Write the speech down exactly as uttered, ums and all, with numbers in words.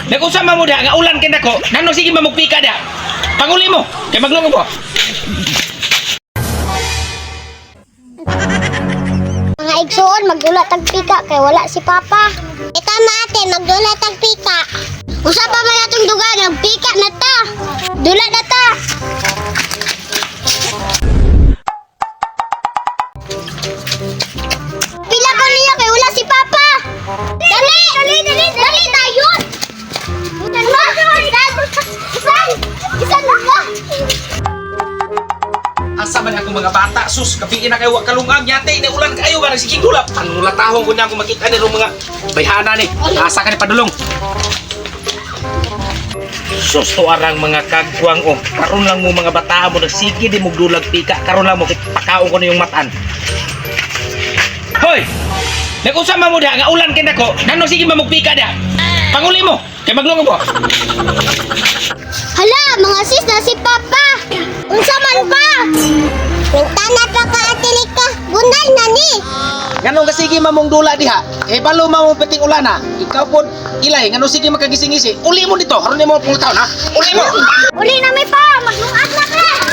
Nag-usama mo diha nga ulan kay nako. Nano sige mamugpika diha. Panguli mo, kay maglungo po. Mga igsoon, magdula tag pika kay wala si Papa. E tama ate, magdula tag pika. Usa pa man atong duga, nagpika na ta. Dula na ta. Pila ko niya kay wala si Papa. Dali, dali, dali, dali tayo. Dali, isan, isan lang. Asa man ako mga bata, sus, kapiin na kayo, kalungag yate, na ulan kayo, ba nagsiging dulap. Ang latahong ko niya kung makita ni mga bayhana ni, asa ka ni padulong. Sus, to arang mga kagwang, oh, karon lang mo mga bata mo, nagsige di mo dulag pika, karon lang mo, pakaon ko na yung matan. Hoy! Nag-usama mo diha, nga ulan kay nako, nano sige mamugpika diha. Panguli mo, kay maglungo po. Hala, mga sis na si Papa. Unsa man pa? Nagtana pa ka atilika. Gunay na ni. Nganong kasigi mamong dula diha? Eh balo mamong peting ulana. Ikaw pod ilay nganong sige makagising-isi. Uli mo dito, haron nimo pung taon ha. Uli mo. Uli na may pa. Maglungat na ka.